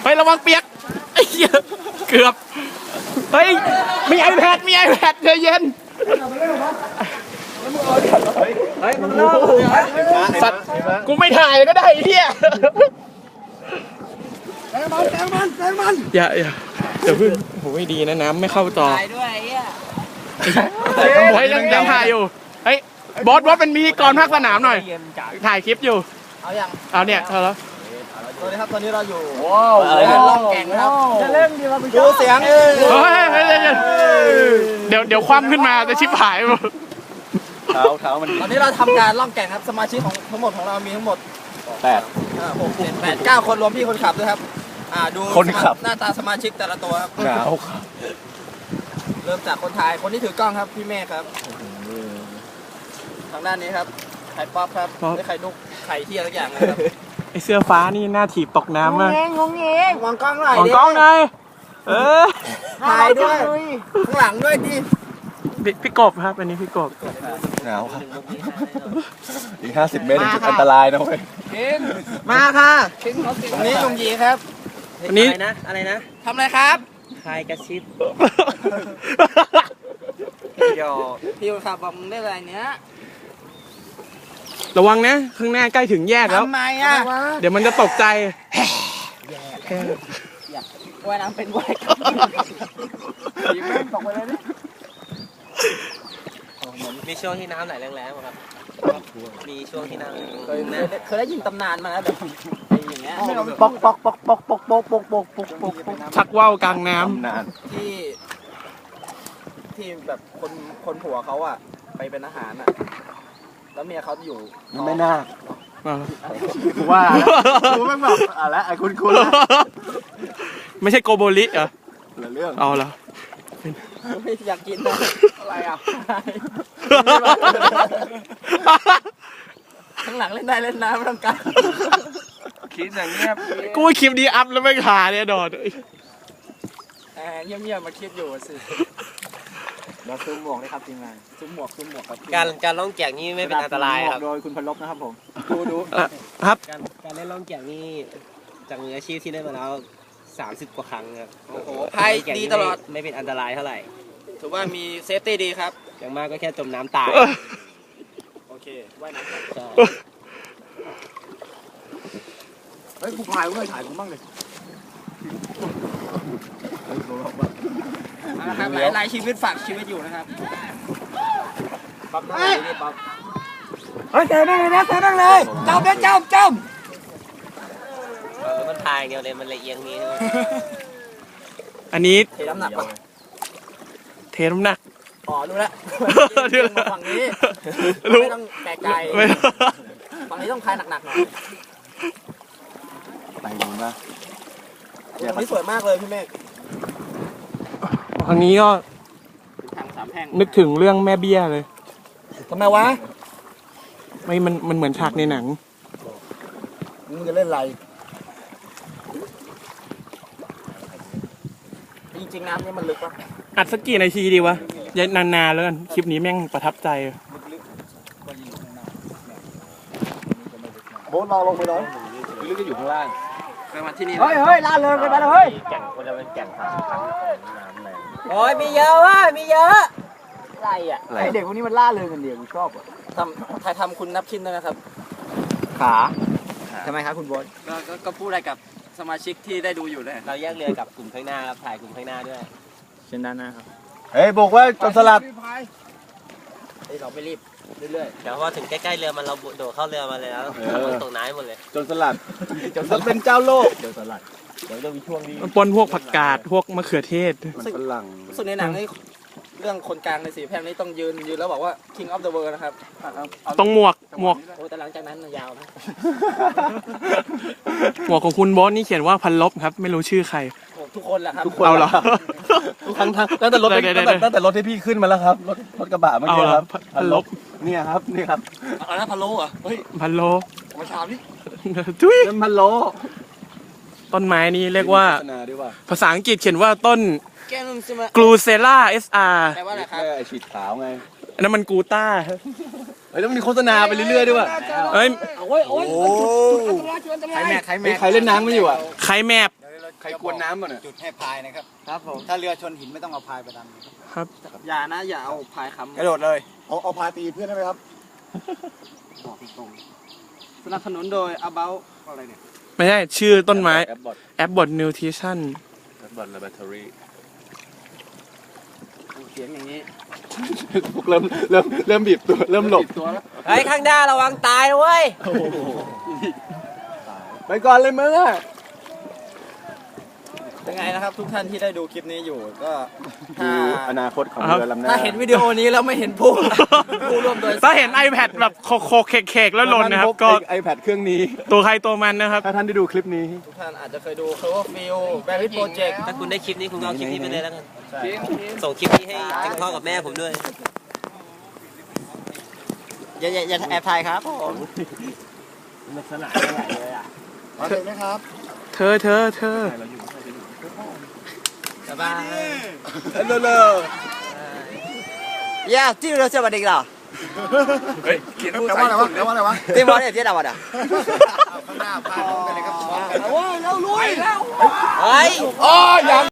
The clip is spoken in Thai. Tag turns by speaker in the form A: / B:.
A: เฮ้ยระวังเปียกไอ้เหี้ยเกือบเฮ้ยมี iPad ใจเย็นสัตว์กูไม่ถ่ายก็ได้ไอ้เหี้ยแซงมันอย่าเดี๋ยวพึ่งโหไม่ดีนะน้ำไม่เข้าจอถ่ายด้วยไอ้เหี้ยเฮ้ยยังถ่ายอยู่เฮ้ยบอสเป็นพิธีกรภาคสนามหน่อยถ่ายคลิปอยู่เอาเนี่ยเธอแล้ว
B: สวัสดีครับตอนนี้เราอยู่ล่องแก่งครับจะเล่นดีเราดูเสียง
A: เดี๋ยวคว่ำขึ้นมาจะชิบหายหมด
B: เท้ามันตอนนี้เราทำการล่องแก่งครับสมาชิกของทั้งหมดของเรามีทั้งหมด9 คนรวมพี่คนขับด้วยครับดูคนขับหน้าตาสมาชิกแต่ละตัวครับหนาวเริ่มจากคนถ่ายคนที่ถือกล้องครับพี่เมฆครับทางด้านนี้ครับไข่ป๊อปครับไข่นุกไข่เที่ยทุกอย่างนะครับ
A: ไอเสื้อฟ้านี่หน้าถีบตกน้ำมาก
B: งงมองกล้องหน่อย
A: มองกล้องหน่อย
B: ถ่ายด้วยข้างหลังด้วยดิ
A: พี่กบครับอันนี้พี่กบ
C: หนาวครับอีก50 เมตรถึงจุดอันตรายนะเว้ย
B: มาค่ะวันนี้ลุงยีครับ
A: วันนี้
B: อะไรนะทำอะไรครับ
D: คายกระชิบ
B: พี่คนขับบอกมึงได้อะไรเนี้ย
A: ระวังนะข้างหน้าใกล้ถึงแยกแล้ว
B: ทำไมอ่ะ
A: เดี๋ยวมันจะตกใจ
B: ว่ายน้ำเป็นว่ายตกไปเลยดิ
D: มีช่วงที่น้ำไหลแรงๆครับมีช่วงที่น้ำ
B: เคยได้ยินตำนานมาแล้วแบบอย่างเงี้ยปก
A: ชักว่าวกลางน้
B: ำที่แบบคนผัวเขาอ่ะไปเป็นอาหารอ่ะแล้วเมียเขาอยู่
C: ไม่น่าว่ากูไม่บอกอะไรไอ้คุณ
A: ไม่ใช่โกโบริเหรอ
C: เรื่อง
A: เอาละ
B: ไม่อยากกินนะอะไรอ่ะข้างหลังเล่นได้เล่นน้ำไม่ต้องการ
C: คิดอย่างเงียบ
A: กูคลิปดีอัพแล้วไม่ขาเนี่ยดอด
B: เงียบมาคลิปอยู่สิเราซูมหมวกเลยครับทีมงานซูมหมวกครับ
D: การล่องแก่งนี่ไม่เป็นอันตรายครับ
B: โดยคุณพลบนะครับผมดู
A: ครับ
D: การเล่นล่องแก่งนี่จากมืออาชีพที่เล่นมาแล้ว30 กว่าครั้งครับ
B: โอ้โหพายดีตลอด
D: ไม่เป็นอันตรายเท่าไหร่
B: ถือว่ามีเซฟตี้ดีครับ
D: อย่างมากก็แค่จมน้ำตาย
B: โอเคว่ายน้ำ
C: เฮ้ยกูพายกูไม่ถ่ายกูบ้างเลย
B: นะครับหลายชีวิตฝากชีวิตอยู่นะครับปั๊บนี่ปั๊บเฮ้ยแกนั่งเลยนะแกนั่งเลยจม
D: มันพายเดียวเลยมันละเอียงนี้
A: อันนี้
B: เทน้ำหนักป่ะอ๋อรู้แล้วฝั่งนี้ไม่ต้องแปลกใจฝั่งนี้ต้องพายหนักๆหน่อย
C: ไปดูนะ
B: ตรงนี้สวยมากเลยพี่เมฆ
A: ครั้งนี้ก็นึกถึงเรื่องแม่เบี้ยเลย
B: ทำไมวะ
A: มันเหมือนฉากในหนัง
B: มึงจะเล่นอะไรจริงๆน้ำนี่มันลึกปะ
A: อัดสักกี่นาทีดีวะยัยนานๆแล้วกันคลิปนี้แม่งประทับใจ
C: โบ๊ทเราลงไปเลยลึกก็อยู่ข้างล่าง
B: ไปมาที่นี่เฮ้ยล่าเริงกันไปเลยเฮ้ย
D: แก่งคนละเป็นแก่ง30 ครั้งน้ำแรง
B: โอ้ยมีเยอะว่ะมีเยอะอะไรอ่ะไอเด็กพวกนี้มันล่าเริงกันเดียวกูชอบอ่ะทำคุณนับชิ้นด้วยนะครับขาทำไมครับคุณบอสก็พูดอะไรกับสมาชิกที่ได้ดูอยู่เลย
D: เราแยกเรือกับกลุ่มข้างหน้าครับถ่ายกลุ่มข้างหน้าด้วย
A: เช่นด้านหน้าครับ
C: เฮ้ยบอกว่าจนสลัด
B: เราไม่รีบเรื่อย
D: ๆเดี๋ยวพอถึงใกล้ๆเรือมันเราโดดเข้าเรือมาเลยแล้วมันตกน้ำหมดเลย
C: จนสลัดเป็นเจ้าโลกจนสลัดเดี๋ยวจะมีช่วงนี้
A: มันปนพวกผักกาดพวกมะเขือเทศ
C: มันฝรั่ง
B: ส่วนในหนังนี่เรื่องคนกลางในสีแพร่นี้ต้องยืนแล้วบอกว่า King of the World นะครับ
A: ต้องหมวก
B: โอ้แต่หลังจากนั้นยาวนะ
A: หมวกของคุณบอสนี่เขียนว่าพันลบครับไม่รู้ชื่อใคร
B: ทุกคนแหละครับ
A: เอาเหรอ
C: ทุกครั้งตั้งแต่รถที่พี่ขึ้นมาแล้วครับรถกระบะเมื่อกี้ครับ
A: พันลบ
C: เนี่ยครับนี่ครับ
B: อะไรนะพันโลอ่ะเฮ้ย
A: พันโล
B: มาชามนี่
A: ทุย
C: พันโล
A: ต้นไม้นี้เรียกว่าภาษาอังกฤษเขียนว่าต้นกลูเซล่า SR
B: แปลว่าอะไรครับ
C: ไอฉีดขาวไง
A: อันนั้นมันกูต้า
C: เฮ้ยแล้วมันมีโฆษณาไปเรื่อยๆด้วยว่ะ
A: เฮ้ย
B: โอ้ย
C: ใครเล่นน้ำไม่อยู่อ่ะ
A: ใครแมป
C: ใครกวนน้ำป่ะเนี่ย
E: จุดให้พายนะครับ
B: ครับผม
E: ถ้าเรือชนหินไม่ต้องเอาพายไปดัน
A: ครับ
B: อย่านะอย่าเอาพายค้ำ
E: กระโดดเลย เอาพายตีเพื่อนได้ไหมครับ
B: บอกตรงสนับสนุนโดย About อะไรเนี่ย
A: ไม่ใช่ชื่อต้นไม้
C: แอปบอท
A: แอปบอทนิวทริชั่น
C: แอปบอทและแบตเตอรี่
B: เสียงอย่างนี้
C: พวกเริ่มบีบตัวเริ่มหลบ
B: ตัวแล้ว
D: เฮ้ยข้างหน้าระวังตายนะเว้ย
C: ไปก่อนเลยมึงอ่ะ
B: เป็นไงนะครับทุกท่านที่ได้ดูคลิปนี้อยู่ก็
C: ดูอนาคตของ
A: ครับ
C: เรือลำหน้า
B: ถ้าเห็นวิดีโอนี้แล้วไม่เห็นผู้ผู้ร่วมโดย
A: ถ้าเห็น iPad แบบโคกเคกๆแล้วหล่นนะครับ ก็
C: ไอแพดเครื่องนี้
A: ตัวใครตัวมันนะครับ
C: ถ้าท่านได้ดูคลิปนี้
B: ทุกท่านอาจจะเคยดู Cloverfield Berry Project
D: ถ้าคุณได้คลิปนี้คุณก็เอาคลิปนี้ไปเลยแล้วกันส่งคลิปนี้ให้ถึงพ่อกับแม่ผมด้วย
B: อย่าแอบถ่ายครับผม
D: มันสนานใหญ่เลยอ่ะ
E: มาถึงไหมครับ
A: เธอ
B: บ๊ายบาย
C: เร็ว
B: Yeah, tí nữa chưa vào địch nào.
C: เฮ้ยเขียนพูด
E: แปล
C: ใส่
E: ว่าอะไรวะแปลว่าอะไรวะ
B: Tim bó này tiết nào vào à?
E: ข้างหน้าพายพร้อมกันเลยครับพร้อมกัน
B: Ôi,
C: อ๋อยัง